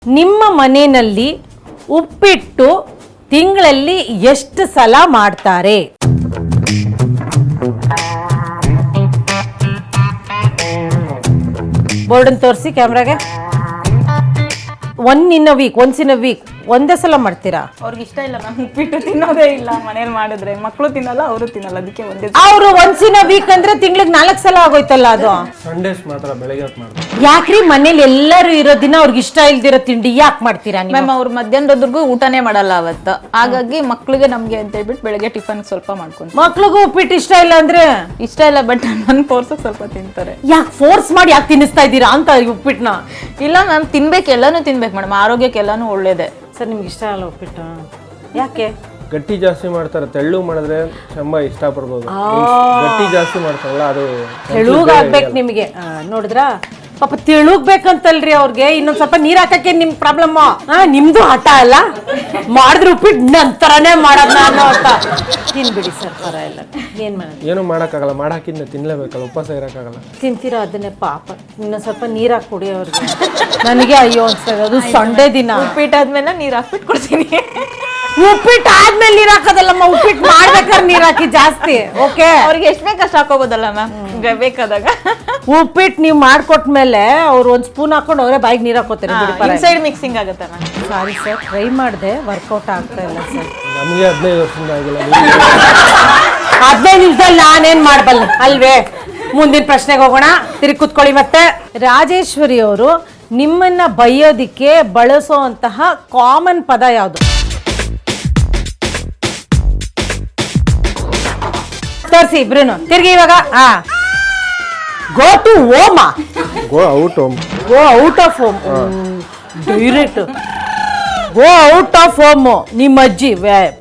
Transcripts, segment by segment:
ನಿಮ್ಮ ಮನೆಯಲ್ಲಿ ಉಪ್ಪಿಟ್ಟು ತಿಂಗಳಲ್ಲಿ ಎಷ್ಟು ಸಲ ಮಾಡ್ತಾರೆ? ಬೋರ್ಡನ್ ತೋರಿಸಿ ಕ್ಯಾಮ್ರಾಗೆ. ಒನ್ಸ್ ಇನ್ ಅ ವೀಕ್ ಒಂದೇ ಸಲ ಮಾಡ್ತೀರಾ? ಅವ್ರಿಗೆ ಇಷ್ಟ ಇಲ್ಲ ಮ್ಯಾಮ್, ಉಪ್ಪಿಟ್ಟು ತಿನ್ನೋದೇ ಇಲ್ಲ ಮನೇಲಿ ಮಾಡಿದ್ರೆ. ಮಕ್ಕಳು ತಿನ್ನಲ್ಲ, ಅವರು ತಿನ್ನಲ್ಲ, ಅದಕ್ಕೆ ಒಂದೇ. ಅವರು ಒನ್ಸ್ ಇನ್ ಅ ವೀಕ್ ಅಂದ್ರೆ ತಿಂಗಳಿಗೆ 4 ಸಲ ಆಗೋಯ್ತಲ್ಲ ಅದು. ಸಂಡೇಸ್ ಮಾತ್ರ ಬೆಳಗ್ಗೆ ಹೊತ್ತು ಮಾಡ್ತಾರೆ. ಯಾಕ್ರಿ ಮನೇಲಿ ಎಲ್ಲರೂ ಇರೋ ದಿನ ಅವ್ರಿಗೆ ಇಷ್ಟ ಇಲ್ದಿರೋ ತಿಂಡಿ ಯಾಕೆ ಮಾಡ್ತೀರಾ ನೀವು? ಮ್ಯಾಮ್ ಅವ್ರು ಮಧ್ಯಾಹ್ನದವರೆಗೂ ಊಟನೇ ಮಾಡಲ್ಲ ಅವತ್ತು, ಹಾಗಾಗಿ ಮಕ್ಳಿಗೆ ನಮ್ಗೆ ಅಂತ ಹೇಳ್ಬಿಟ್ಟು ಬೆಳಗ್ಗೆ ಟಿಫನ್ ಸ್ವಲ್ಪ ಮಾಡ್ಕೊಂಡು. ಮಕ್ಳಿಗೂ ಉಪ್ಪಿಟ್ಟು ಇಷ್ಟ ಇಲ್ಲ ಅಂದ್ರೆ? ಇಷ್ಟ ಇಲ್ಲ, ಬಟ್ ನನ್ ಫೋರ್ಸಕ್ಕೆ ಸ್ವಲ್ಪ ತಿಂತಾರೆ. ಯಾಕೆ ಫೋರ್ಸ್ ಮಾಡಿ ಯಾಕೆ ತಿನ್ನಿಸ್ತಾ ಇದ್ದೀರಾ ಅಂತ ಉಪ್ಪಿಟ್ಟನ್ನ? ಇಲ್ಲ ಮ್ಯಾಮ್, ತಿನ್ಬೇಕು, ಎಲ್ಲಾನು ತಿನ್ಬೇಕು ಮೇಡಮ್, ಆರೋಗ್ಯಕ್ಕೆ ಎಲ್ಲಾನು ಒಳ್ಳೇದೇ. ಸರ್ ನಿಮ್ಗೆ ಇಷ್ಟ ಅಲ್ಲ ಉಪ್ಪಿಟ್ಟು? ಯಾಕೆ? ಗಟ್ಟಿ ಜಾಸ್ತಿ ಮಾಡ್ತಾರೆ, ತೆಳ್ಳು ಮಾಡಿದ್ರೆ ಚೆಂಬ ಇಷ್ಟ ಪಡ್ಬೋದು. ಗಟ್ಟಿ ಜಾಸ್ತಿ ಮಾಡ್ತಾರಲ್ಲ ಅದು ತೆಳುಗಾಗ್ಬೇಕು ನಿಮಗೆ. ನೋಡಿದ್ರಾ ಪಾಪ ತೆಳುಗ್ಬೇಕಂತಲ್ರಿ ಅವ್ರಿಗೆ. ಇನ್ನೊಂದ್ ಸ್ವಲ್ಪ ನೀರ್ ಹಾಕಕ್ಕೆ ನಿಮ್ ಪ್ರಾಬ್ಲಮ್. ನಿಮ್ದು ಹಠ ಅಲ್ಲ, ಮಾಡಿದ್ರೆ ಉಪ್ಪಿಟ್ಟು ನಂತರನೇ ಮಾಡೋದ್ ನಾನು ಅಂತ. ತಿನ್ಬಿಡಿ ಸರ್, ಪರ ಇಲ್ಲ, ಏನ್ ಮಾಡೋದು? ಏನು ಮಾಡೋಕ್ಕಾಗಲ್ಲ, ಮಾಡಾಕಿಂದ ತಿನ್ಲೇಬೇಕಲ್ಲ, ಉಪವಾಸ ಇರೋಕ್ಕಾಗಲ್ಲ. ತಿಂತೀರಾ ಅದನ್ನೇ ಪಾಪ. ಇನ್ನೊಂದ್ ಸ್ವಲ್ಪ ನೀರ್ ಹಾಕಿ ಕೊಡಿ ಅವ್ರಿಗೆ. ನನಗೆ ಅಯ್ಯೋ ಅನ್ಸ್ತದೆ, ಅದು ಸಂಡೇ ದಿನ. ಉಪ್ಪಿಟ್ಟಾದ್ಮೇಲೆ ನೀರ್ ಹಾಕ್ಬಿಟ್ಟು ಕೊಡ್ತೀನಿ. ಉಪ್ಪಿಟ್ಟು ಆದ್ಮೇಲೆ ನೀರ್ ಹಾಕೋದಲ್ಲಮ್ಮ, ಉಪ್ಪಿಟ್ಟು ಮಾಡ್ಬೇಕಾದ್ರೆ ನೀರ್ ಹಾಕಿ ಜಾಸ್ತಿ. ಓಕೆ, ಅವ್ರಿಗೆ ಎಷ್ಟ್ ಬೇಕಷ್ಟು ಹಾಕೋಬೋದಲ್ಲ ಮ್ಯಾಮ್ ಬೇಕಾದಾಗ. ಉಪ್ಪಿಟ್ಟು ನೀವು ಮಾಡ್ಕೊಟ್ಮೇಲೆ ಅವ್ರು ಒಂದ್ ಸ್ಪೂನ್ ಹಾಕೊಂಡು ಅವರೇ ಬಾಯಿಗೆ ನೀರ್ ಹಾಕೋತಾರೆ. ಇನ್ಸೈಡ್ ಮಿಕ್ಸಿಂಗ್ ಆಗುತ್ತೆ ಮ್ಯಾಮ್. ಸಾರಿ ಸರ್, ಟ್ರೈ ಮಾಡಿದೆ, ವರ್ಕೌಟ್ ಆಗ್ತಾ ಇಲ್ಲ ಸರ್. ನಮಗೆ 15 ವರ್ಷದಿಂದ ಆಗಿಲ್ಲ. 15 ನಿಮಿಷದಲ್ಲಿ ನಾನೇನ್ ಮಾಡಬಲ್ಲ ಅಲ್ವೇ? ಮುಂದಿನ ಪ್ರಶ್ನೆಗೆ ಹೋಗೋಣ, ತಿರುಗಿ ಕೂತ್ಕೊಳ್ಳಿ. ಮತ್ತೆ ರಾಜೇಶ್ವರಿ ಅವರು ನಿಮ್ಮನ್ನ ಬೈಯೋದಿಕ್ಕೆ ಬಳಸುವಂತಹ ಕಾಮನ್ ಪದ ಯಾವುದು? ತೋರಿಸಿ ಇಬ್ರು ತಿರ್ಗಿ. ಇವಾಗ go to home, go out home, go out of home, direct go out of home. ನಿಮ್ಮ ಅಜ್ಜಿ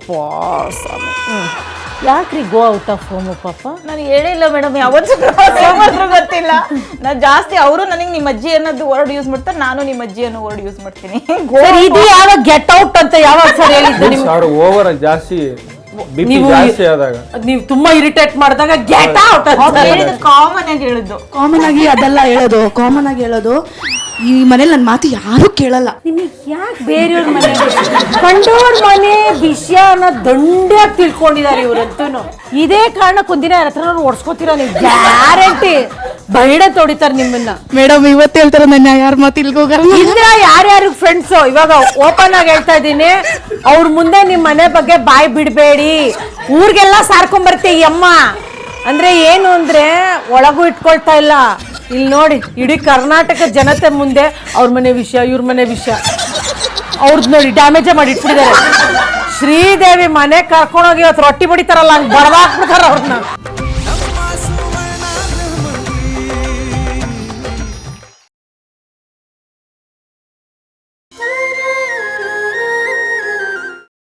ಯಾಕ್ರಿ ಗೋ ಔಟ್ ಆಫ್ ಹೋಮ್ ಪಾಪ? ನಾನು ಹೇಳಿಲ್ಲ ಮೇಡಮ್, ಯಾವತ್ತೂ ಗೊತ್ತಿಲ್ಲ. ನಾನು ಜಾಸ್ತಿ ಅವರು ನನಗೆ ನಿಮ್ಮ ಅಜ್ಜಿ ಅನ್ನೋದು ವರ್ಡ್ ಯೂಸ್ ಮಾಡ್ತಾರೆ, ನಾನು ನಿಮ್ಮ ಅಜ್ಜಿ ಅನ್ನೋ ವರ್ಡ್ ಯೂಸ್ ಮಾಡ್ತೀನಿ. ಇದು ಯಾವಾಗ ಗೆಟ್ ಔಟ್ ಅಂತ ಯಾವಾಗ ಸರ್ ಹೇಳಿದ್ದು ನಿಮ್ಗೆ? ಓವರ್ ಜಾಸ್ತಿ ಜಾಸ್ತಿ ಆದಾಗ, ನೀವು ತುಂಬಾ ಇರಿಟೇಟ್ ಮಾಡಿದಾಗ ಗೆಟ್ ಔಟ್ ಅಂತ ಕಾಮನ್ ಆಗಿ ಹೇಳಿದ್ದು. ಕಾಮನ್ ಆಗಿ ಅದೆಲ್ಲ ಹೇಳೋದು, ಕಾಮನ್ ಆಗಿ ಹೇಳೋದು. ಈ ಮನೇಲಿ ನನ್ನ ಮಾತು ಯಾರು ಕೇಳಲ್ಲ. ನಿಮಗೆ ಯಾಕೆ ಬೇರೆಯವ್ರ ಮನೆ, ಕಂಡೋರ್ ಮನೆ ವಿಷಯ ಅನ್ನೋ ದಂಡ್ಯಾಗಿ ತಿಳ್ಕೊಂಡಿದ್ದಾರೆ ಇವ್ರಂತೂ. ಇದೇ ಕಾರಣಕ್ಕೆ ಒಂದಿನ ಯಾರ ಹತ್ರ ಓಡಿಸ್ಕೋತೀರ ನೀವು, ಗ್ಯಾರಂಟಿ ಬೈಡ ತೊಡಿತಾರೆ ನಿಮ್ಮನ್ನ. ಮೇಡಮ್ ಇವತ್ತು ಹೇಳ್ತಾರ, ನನ್ನ ಯಾರ ಮಾತು ಇಲ್ಗೋಗಲ್ಲ. ಇದ್ರ ಯಾರ್ಯಾರು ಫ್ರೆಂಡ್ಸ್ ಇವಾಗ ಓಪನ್ ಆಗಿ ಹೇಳ್ತಾ ಇದ್ದೀನಿ, ಅವ್ರ ಮುಂದೆ ನಿಮ್ ಮನೆ ಬಗ್ಗೆ ಬಾಯ್ ಬಿಡ್ಬೇಡಿ. ಊರಿಗೆಲ್ಲ ಸಾರ್ಕೊಂಡ್ಬರ್ತೀವಿ ಈ ಅಮ್ಮ ಅಂದ್ರೆ ಏನು ಅಂದ್ರೆ ಒಳಗೂ ಇಟ್ಕೊಳ್ತಾ ಇಲ್ಲ. ಇಲ್ಲಿ ನೋಡಿ, ಇಡೀ ಕರ್ನಾಟಕ ಜನತೆ ಮುಂದೆ ಅವ್ರ ಮನೆ ವಿಷಯ, ಇವ್ರ ಮನೆ ವಿಷಯ, ಅವ್ರದ್ದು ನೋಡಿ ಡ್ಯಾಮೇಜೇ ಮಾಡಿ ಇಟ್ಬಿಟ್ಟಿದ್ದಾರೆ. ಶ್ರೀದೇವಿ ಮನೆ ಕರ್ಕೊಂಡೋಗಿ ಇವತ್ತು ರೊಟ್ಟಿ ಬಡಿತಾರಲ್ಲ, ಹಂಗೆ ಬಡವಾಕ್ಬಿಡ್ತಾರ ಅವ್ರನ್ನ.